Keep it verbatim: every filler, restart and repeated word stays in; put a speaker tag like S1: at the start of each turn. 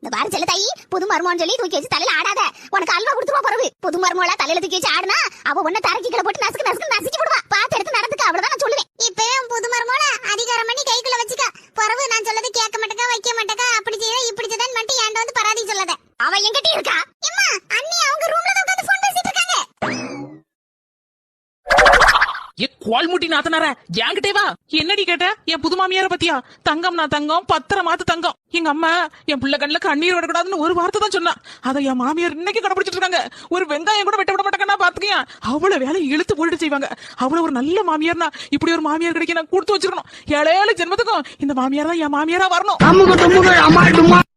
S1: இந்த பாரு செல்ல தாயி, புது மருமகன் சொல்லி தூக்கி வச்சு தலையில ஆடாத. உனக்கு அல்வா கொடுத்துருவா பரவு. புது மருமகளா தலையில தூக்கி வச்சு ஆடுனா அவ உன்ன தரக்கிக்கல போட்டு நசுக்கு நசுக்கு நசுக்கி போடுவா. பாத்து எடுத்து நடந்துக்க, அவ்வளவுதான் நான் சொல்லுவேன். இப்பவே புது மருமகள அதிகாரம் பண்ணி கைக்குள்ள வச்சுக்க. பரவு நான் சொல்லது கேட்க மாட்டேக்கா, வைக்க மாட்டேக்கா, அப்படி செய்ய இப்படி செய்தான் மட்டும் ஏன்ட வந்து பராதி சொல்லாத. அவ எங்கிட்ட இருக்கா? அம்மா அண்ணி அவங்க ரூம்ல தான் உட்கார்ந்து ஃபோன் பேசிட்டு இருக்காங்க.
S2: ஏ கோல்முட்டி நாத்தனார என்கிட்டே வா. என்னடி கேட்ட? என் புது மாமியார பத்தியா? தங்கம் நான் தங்கம், பத்திரமாத்து தங்கம். எங்க அம்மா என் புள்ள கண்ணுல கண்ணீர் விடக்கூடாதுன்னு ஒரு வார்த்தை தான் சொன்னா. அதை என் மாமியார் இன்னைக்கு கடைபிடிச்சிட்டு இருக்காங்க. ஒரு வெங்காயம் கூட வெட்ட விட மாட்டாங்கன்னா பாத்துக்கியா. அவ்வளவு வேலை இழுத்து போட்டு செய்வாங்க. அவ்வளவு ஒரு நல்ல மாமியார்னா இப்படி ஒரு மாமியார் கிடைக்க நான் கொடுத்து வச்சிருக்கணும். ஏழேழு ஜென்மத்துக்கும் இந்த மாமியார் தான் என் மாமியாரா வரணும்.